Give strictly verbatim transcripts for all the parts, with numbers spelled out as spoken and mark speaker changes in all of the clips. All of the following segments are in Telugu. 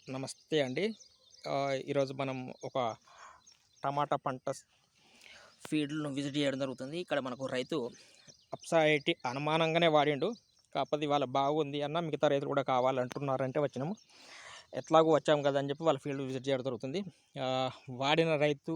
Speaker 1: నమస్తే అండి. ఆహ్, ఈరోజు మనం ఒక టమాటా పంట ఫీల్డ్‌ను విజిట్ చేయడం జరుగుతుంది. ఇక్కడ మనకు రైతు అప్సా ఎయిటీ అనుమానంగానే వాడిండు. కాకపోతే ఇవాళ బాగుంది అన్న మిగతా రైతులు కూడా కావాలంటున్నారంటే వచ్చినాము. ఎట్లాగో వచ్చాము కదా అని చెప్పి వాళ్ళ ఫీల్డ్ విజిట్ చేయడం జరుగుతుంది. ఆహ్, వాడిన రైతు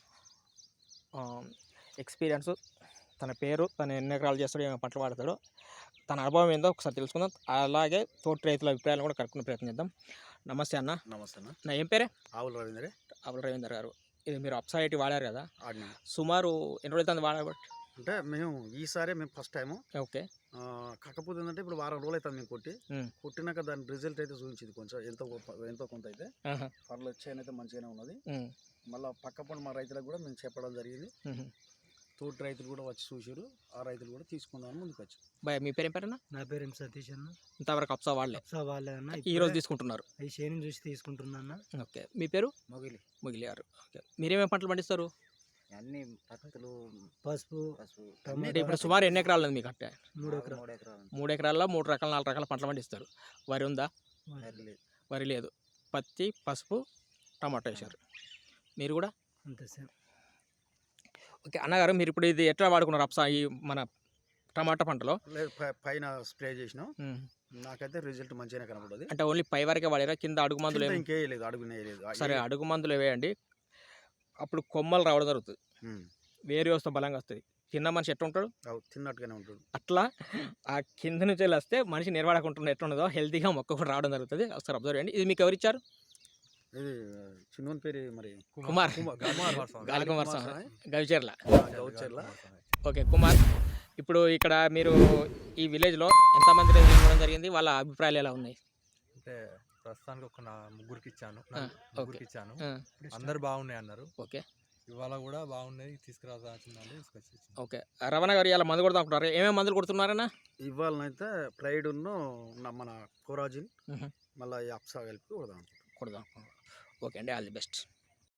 Speaker 1: ఆహ్, ఎక్స్‌పీరియన్స్, తన పేరు, తను ఎన్ని ఎకరాలు చేస్తాడో, ఏమేమి పంటలు వాడతాడో, తన అనుభవం ఏందో ఒకసారి తెలుసుకుందాం. అలాగే తోటి రైతుల అభిప్రాయాలు కూడా కనుక్కునే ప్రయత్నం చేద్దాం. నమస్తే అన్న.
Speaker 2: నమస్తే అన్న.
Speaker 1: నా ఏం పేరే?
Speaker 2: ఆవుల రవీందరే.
Speaker 1: ఆవుల రవీందర్ గారు. ఇది మీరు అప్సా ఎయిటీ వాడారు కదా,
Speaker 2: ఆడినాం.
Speaker 1: సుమారు ఎన్ని రోజులు వాడబట్టి?
Speaker 2: అంటే మేము ఈసారే మేము ఫస్ట్ టైము.
Speaker 1: ఓకే.
Speaker 2: కాకపోతే ఏంటంటే ఇప్పుడు వారం రోజులు అవుతుంది మేము కొట్టి
Speaker 1: ఉమ్,
Speaker 2: కొట్టినాక దాని రిజల్ట్ అయితే చూపించింది కొంచెం ఎంతో గొప్ప- ఎంతో కొంత అయితే
Speaker 1: ఆహా,
Speaker 2: పర్లు వచ్చాయని అయితే మంచిగానే ఉన్నది.
Speaker 1: ఉమ్,
Speaker 2: మళ్ళీ పక్క పండు మా రైతులకు కూడా మేము చెప్పడం జరిగింది.
Speaker 1: ఉమ్.
Speaker 2: తోటి రైతులు కూడా వచ్చి చూసారు. ఆ రైతులు కూడా తీసుకుందామని ముందుకు వచ్చి.
Speaker 1: బాయ్, మీ పేరు ఏం పేరన్నా?
Speaker 3: నా పేరు ఎం సతీష్ అన్న.
Speaker 1: ఇంతవరకు అప్సా వాడలే,
Speaker 3: అప్సా వాళ్ళే అన్న.
Speaker 1: ఈ రోజు తీసుకుంటున్నారు.
Speaker 3: ఈ షేని చూసి తీసుకుంటున్నా అన్న.
Speaker 1: ఓకే. మీ పేరు?
Speaker 2: మొగిలి.
Speaker 1: ముగిలి గారు. ఓకే. మీరేమేమి పంటలు పండిస్తారు?
Speaker 2: అన్ని పత్తులు,
Speaker 3: పసుపు,
Speaker 2: పసుపు,
Speaker 1: అంటే ఇప్పుడు సుమారు ఎన్ని ఎకరాలు ఉంది మీకు? అంటే
Speaker 3: మూడు ఎకరాలు.
Speaker 2: మూడు ఎకరాలు.
Speaker 1: మూడు ఎకరాల్లో మూడు రకాల నాలుగు రకాల పంటలు పండిస్తారు. వరి ఉందా? వరి లేదు. పత్తి, పసుపు, టమాటో వేశారు. మీరు కూడా
Speaker 3: అంతే సార్.
Speaker 1: ఓకే. అన్నగారు, మీరు ఇప్పుడు ఇది ఎట్లా వాడుకున్నారు అప్సా ఈ మన టమాటా పంటలో?
Speaker 2: లేదు, పై- పైన స్ప్రే చేసినాం.
Speaker 1: ఉమ్.
Speaker 2: నాకైతే రిజల్ట్ మంచిగానే కనపడదు.
Speaker 1: అంటే ఓన్లీ పై వరకే వాడారా? కింద అడుగు మందులు ఏమి?
Speaker 2: ఇంకేయలేదు, అడుగునేయలేదు.
Speaker 1: సరే, అడుగు మందులు వేయండి. అప్పుడు కొమ్మలు రావడం జరుగుతుంది, వేరే వస్తే బలంగా వస్తుంది. కింద మనిషి ఎట్లా ఉంటాడు
Speaker 2: తిన్నట్టుగానే ఉంటుంది.
Speaker 1: అట్లా ఆ కింద నుంచి వెళ్ళి వస్తే మనిషి నిర్వాడకుంటున్న ఎట్లా ఉండదో హెల్తీగా మొక్క కూడా రావడం జరుగుతుంది. ఒకసారి అబ్జర్వ్ చేయండి. ఇది మీకు ఎవరిచ్చారు?
Speaker 2: ఇది చిన్న పేరు మరి
Speaker 1: కుమార్.
Speaker 2: కుమార్
Speaker 1: గాలి కుమార్ స్వామి, గవిచర్ల.
Speaker 2: గౌచర్ల.
Speaker 1: ఓకే కుమార్, ఇప్పుడు ఇక్కడ మీరు ఈ విలేజ్లో ఎంతమంది రైతులు ఇవ్వడం జరిగింది? వాళ్ళ అభిప్రాయాలు ఎలా ఉన్నాయి?
Speaker 4: అంటే ప్రస్తుతానికి ఒక నా ముగ్గురికి ఇచ్చాను
Speaker 1: ఆ,
Speaker 4: ముగ్గురికి ఇచ్చాను.
Speaker 1: ఆ,
Speaker 4: అందరు బాగున్నాయి అన్నారు.
Speaker 1: ఓకే.
Speaker 4: ఇవాళ కూడా బాగున్నాయి, తీసుకురావాల్సిందండి, తీసుకొచ్చి ఇచ్చాను.
Speaker 1: ఓకే. రమణ గారు ఇలా మందు కొడతా అనుకుంటారు. ఏమేమి మందులు కొడుతున్నారన్నా?
Speaker 2: ఇవాళనైతే ప్రైడ్ ఉన్న మన కోరాజిన్
Speaker 1: మ్మ్.
Speaker 2: మళ్ళీ అప్సా కలిపి కొడదాం.
Speaker 1: కొడదాం. ఓకే అండి, ఆల్ ది బెస్ట్.